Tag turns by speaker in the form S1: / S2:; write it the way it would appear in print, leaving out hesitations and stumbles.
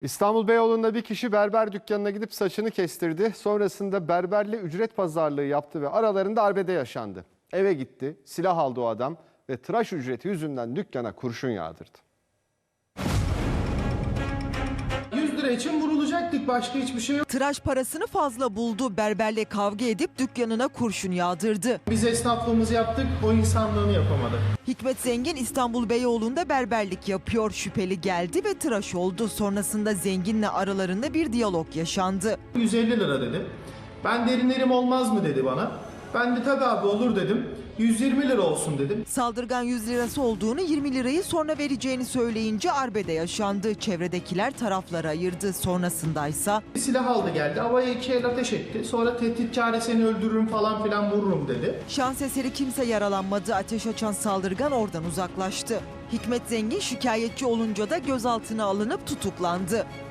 S1: İstanbul Beyoğlu'nda bir kişi berber dükkanına gidip saçını kestirdi. Sonrasında berberle ücret pazarlığı yaptı ve aralarında arbede yaşandı. Eve gitti, silah aldı o adam ve tıraş ücreti yüzünden dükkana kurşun yağdırdı.
S2: 100 lira için vurulacaktık, başka hiçbir şey yok.
S3: Tıraş parasını fazla buldu. Berberle kavga edip dükkanına kurşun yağdırdı.
S2: Biz esnaflığımızı yaptık, o insanlığını yapamadı.
S3: Hikmet Zengin İstanbul Beyoğlu'nda berberlik yapıyor. Şüpheli geldi ve tıraş oldu. Sonrasında Zengin'le aralarında bir diyalog yaşandı.
S2: 150 lira dedim. Ben derinlerim olmaz mı dedi bana. Ben de tabii abi olur dedim. 120 lira olsun dedim.
S3: Saldırgan 100 lirası olduğunu, 20 lirayı sonra vereceğini söyleyince arbede yaşandı. Çevredekiler taraflara ayırdı. Sonrasındaysa
S2: Bir silah aldı geldi, havaya 2 el ateş etti. Sonra tehditkare seni öldürürüm falan filan vururum dedi.
S3: şans eseri kimse yaralanmadı. Ateş açan saldırgan oradan uzaklaştı. Hikmet Zengin şikayetçi olunca da gözaltına alınıp tutuklandı.